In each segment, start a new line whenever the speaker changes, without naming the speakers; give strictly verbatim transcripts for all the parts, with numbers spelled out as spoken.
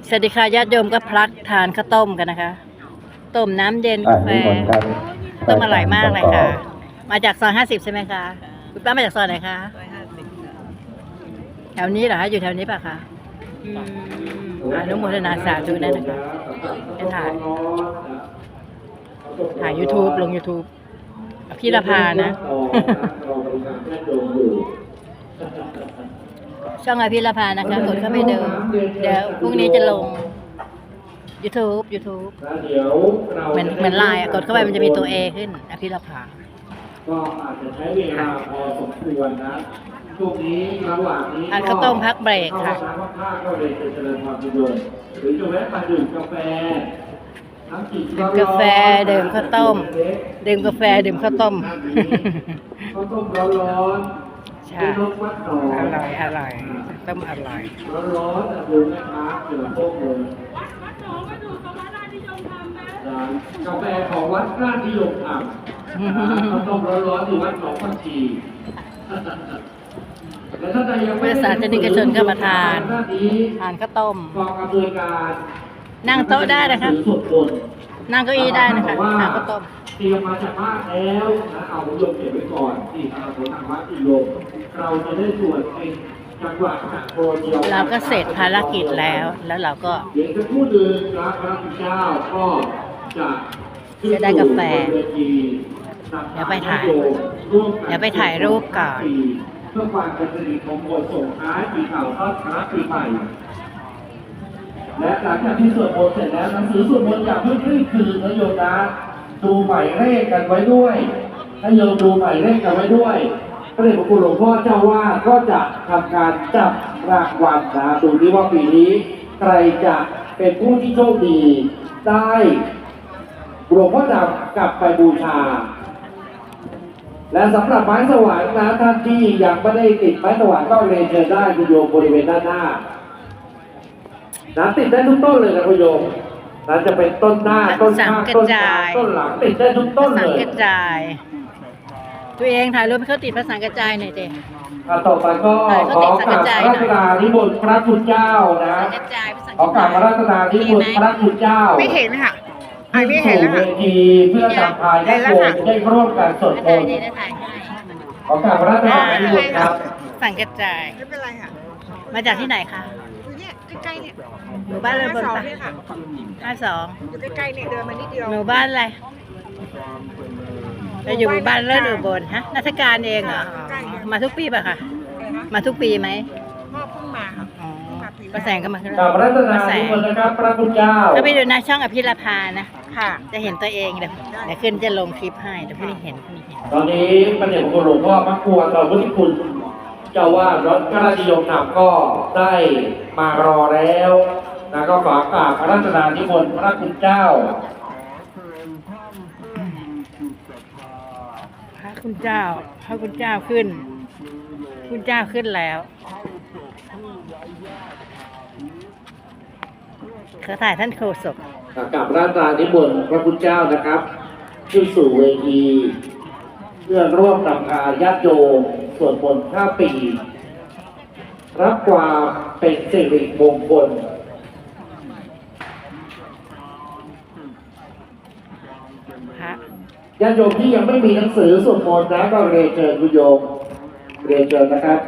สวัสดีค่ะญาติโยมก็พลักทานข้าวต้มกันนะคะต้มน้ำเย็นกาแฟต้มอร่อยมากเลยค่ะมาจากซอยห้าสิบใช่ไหมคะคุณป้ามาจากซอยไหนคะแถวนี้เหรอคะอยู่แถวนี้ป่ะคะอืมอนุโมทนาสาธุได้นะคะจะถ่ายถ่าย YouTube ลง YouTube พี่ละพานะช่องอภิรพานะคะกดเข้าไปดูเดี๋ยวพรุ่งนี้จะลง YouTube YouTube เหมือนเหมือนไลน์กดเข้าไปมันจะมีตัว A ขึ้นอภิรพา
ก็อาจจะใช้เวลาพอสมควรนะช่วงนี้ระหว่างนี้
ทานข้าวต้มพักเบรกค่ะ
ข้าวข้าวก็เลยจะเจริญความสุขหรือจะแวะมาดื่มกาแฟน้ำจิต
กาแฟดื่มข้าวต้มดื่มกาแฟดื่มข้าวต้ม
ข้าวต้มร้อน
ใช่อร่อยอร่อยต้มอร่อย
ร้อนๆดูแม่ค้าเสือโป๊กเลยกาแฟของวัดราชนิยมทำข้าวต้มร้อนๆอยู่วัดหนองพันชี
บริษัทจะนิกชนก็มาทานทานข้าวต้มนั่งโต๊ะได้นะคะนั่งเก้าอี้ได้นะคะทานข้าวต้ม
เตรียมมาจากบ้านแล้วนะเอาโยมเก็บไว้ก่อนที่ทางคนทางวัดที่โยมเราจะได้สวดเป็นจังหวะจากโปรเดียว
เราก็เสร็จภารกิจแล้วแล้วเราก็
เดี๋ยวจะพูดถึงพระพระพุทธเจ้าก็จะ
จะได้กาแฟเดี๋ยวไปถ่ายเดี๋ยวไปถ่ายรูปก่อน
เพื่อความเป็นสิริมงคลส่งท้ายปีเก่าต้อนรับปีใหม่และหลังจากที่สวดมนต์เสร็จแล้วหนังสือสวดมนต์อย่าเพิ่งรีบคืนนะโยมนะดูหมายเลขกันไว้ด้วยถ้าโยมดูหมายเลขกันไว้ด้วยพระเดชพระคุณหลวงพ่อเจ้าว่าก็จะทำการจับรางวัลนะดูที่ว่าปีนี้ใครจะเป็นผู้ที่โชคดีได้หลวงพ่อจะกลับไปบูชาและสำหรับไม้สว่างนะท่านที่ยังไม่ได้ติดไม้สว่างก็เรียนเชิญได้คุณโยมบริเวณด้านหน้านะติดได้ทุกต้นเลยนะคุณโยมนะจะเป็นต้นหน้าต้นข้างต้นกลางต้นหลังติดได้ทุกต้นเลย
กระจายตัวเองถ่ายรูปให้เขาติดภาษากระจายหน่อยเด็ก
ต่อไปก็ขอกราบพระราชนานิมนต์พระคุณเจ้านะขอกราบพระราชนานิมนต์พระคุณเจ้า
ไม่เห็นค่ะ
ไม่เห็นแล้วค่ะเวทีเพื่อนำพายญาติโยมได้ร่วมกันสวดมนต์ขอกราบพระราชนานิมนต์ครับ
สั่งกระจาย
ไม่เป็นไรค่ะ
มาจากที่ไหนคะ
เนี่ยใกล้ๆเนี่ย
หมู่บ้านเลยบนปะห้าสอง
อยู่ใกล้ๆเนี่ยเดินมานิดเดียว
หมู่บ้านอะไรเราอยู่หมู่บ้านเลิศอุบลฮะนักการเองเหรอมาทุกปีป่ะคะมาทุกปีไหม
พ่อเพิ่งมาค่ะ
ป้าแสงก็มาขึ้น
พระราชนานิมนต์นะครับพระคุณเจ้า
ก็ไปดูนะช่องอภิรพานะค่ะจะเห็นตัวเองเดี๋ยวเดี๋ยวขึ้นจะลงคลิปให้เดี๋ยวพี่เห็นพี่เห็น
ตอนนี้พระเดชพระคุณหลวงพ่อพระครูต่อพุทธิคุณเจ้าว่าวัดพระราชนิยมนำก็ได้มารอแล้วนะก็ขอกราบพระราชนานิมนต์พระคุณเจ้า
พระคุณเจ้าพระคุณเจ้าขึ้นคุณเจ้าขึ้นแล้วเขาถ่ายท่านโฆษก
กับพระราชนานิมนต์พระคุณเจ้านะครับขึ้นสู่เวทีเพื่อร่วมนำพาญาติโยมสวดมนต์ข้ามปีรับความเป็นสิริมงคลญาติโยมที่ยังไม่มีหนังสือสวดมนต์นะก็เรียนเชิญคุณโยมเรียนเชิญนะครับ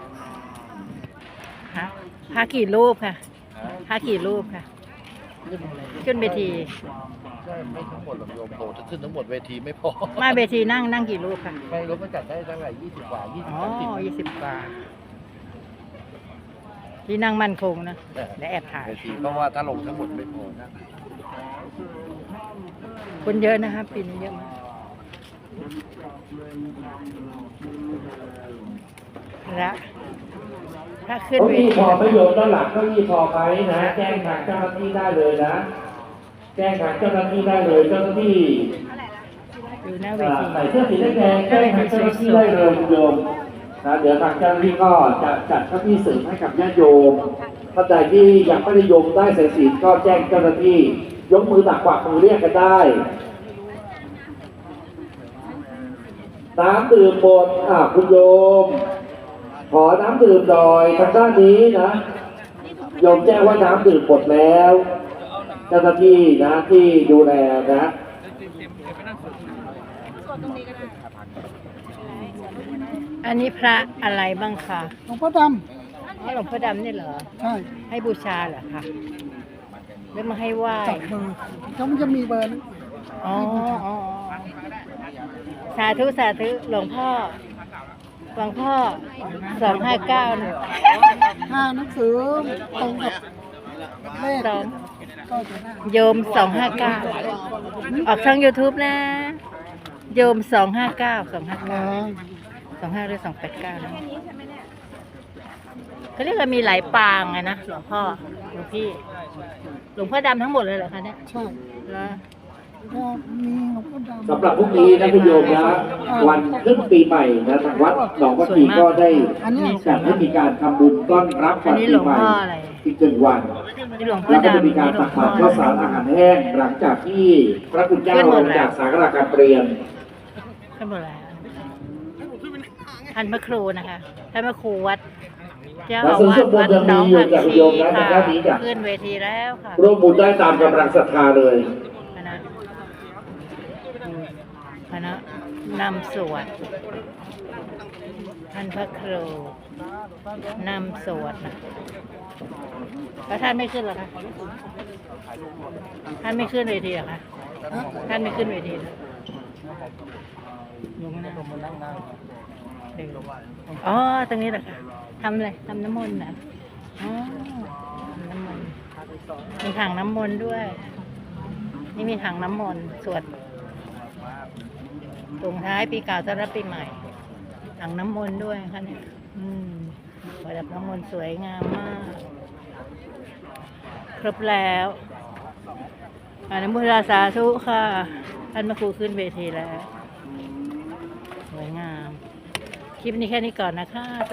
พระกี่รูปค่ะพระกี่รูปค่ะขึ้นเวที
ใช่ไม่ทั้งหมดหรอกโยมโตจะขึ้นทั้งหมดเวทีไม่พอ
มาเวทีนั่งนั่งกี่รูปค่ะ
ไม่รู้มันจัดได้ตั้งแต่ยี่สิบกว่ายี่สิบ
อ๋อยี่สิบกว่าที่นั่งมั่นคงนะและแอบถ่าย
เวทีเพราะว่าถ้าลงทั้งหมดไม่พอนะ
คนเยอะนะครับปีนี้เยอะมากและถ้าขึ้นเวที
พอประโยชน์ด้านหลังก็มีพอไหมนะแจ้งทางเจ้าหน้าที่ได้เลยนะแจ้งทางเจ้าหน้าที่ได้เลยเจ้าหน้าที่
อยู่หน้าเวที
ใส่เสื้อสีแดงแจ้งทางเจ้าหน้าที่ได้เลยโยมนะเดี๋ยวทางเจ้าหน้าที่ก็จะจัดเก้าอี้เสริมให้กับญาติโยมท่านใดที่ยังไม่ได้โยมได้สายศีลก็แจ้งเจ้าหน้าที่ยกมือตักกวักมือเรียกกันได้น้ำดื่มหมดอ่ะคุณโยมขอน้ำดื่มหน่อยทางด้านนี้นะโยมแจ้งว่าน้ำดื่มหมดแล้ว เจ้าหน้าที่นะที่ดูแลนะ
อันนี้พระอะไรบ้างคะ
หลวงพ่อด
อ๋อหลวงพ่อดำนี่เหรอ
ำใช่
ให้บูชาเหรอคะหรือมาให้ไหว้
จับเบอร์เขามันจะมีเบอร์นะ
อ๋ออ๋อสาธุสาธุหลวงพ่อหลวงพ่อสองห้าเก้านะ
ถ้าหนังสือตรงกับเลข
สอง
ก็จะได้
โยมสองห้าเก้าออกช่อง ยูทูบ นะ โยมสองห้าเก้าสองห้า
อ๋อ
เก้าสองห้าหรือสองแปดเก้านะเขาเรียกว่ามีหลายปางไงนะหลวงพ่อหลวงพี่ หลวงพ่อดำทั้งหมดเลยเหรอคะเนี่ย
ใช่
แล้ว
ก็มีหลวงพ่อดำ
สำหรับพรุ่งนี้นะคุณโยมนะวันขึ้นปีใหม่นะทางวัดหนองวัดทีก็ได้จัดให้มีการทำบุญต้อนรับ
อั
วัน น
นี้
ปี
หลวง
ใหม่
พ่ออะไร
อีกหนึ่งวัน
นี่หลวงพ่อ
แล้วก็จะ
ดำ
มีการตักบาตรข้าวสารอาหารแห้งหลังจากที่พระคุณเจ้าลงจากสาราการเปลี่ยน
ท่านบอกอะไรท่านพระครูนะคะท่านพระครูวัดเจ้า
และ
อา
ซึ่ง
วา
ส่
ส
วนบุ
วั
ญ
ด
ยัง
หน้
มี
อง
อยู่
ผัก
จาก
ชี
โยมนะ
ค่ะ
ทางด้านนี้จ้ะ
ขึ้นเวทีแล้วค่ะ
ร่วมบุญได้ตามกำลังศรัทธาเลย
คณะคณะนำสวดท่านพระครูนำสวดนะแล้วท่านไม่ขึ้นเหรอคะท่านไม่ขึ้นเวทีเหรอคะท่านไม่ขึ้นเวทีเหรออยู่ข้างหน้าเดินอ๋อตรงนี้เหรอคะทำอะไรทำน้ำมนต์นะอ๋อทำน้ำมนต์มีถังน้ำมนต์ด้วย นี่มีถังน้ำมนต์สวดส่งท้ายปีเก่าต้อนรับปีใหม่ถังน้ำมนต์ด้วยค่ะเนี่ยอืมประดับน้ำมนต์สวยงามมาก ครบแล้วอนุโมทนาสาธุค่ะท่านพระครูขึ้นเวทีแล้วสวยงาม คลิปนี้แค่นี้ก่อนนะคะ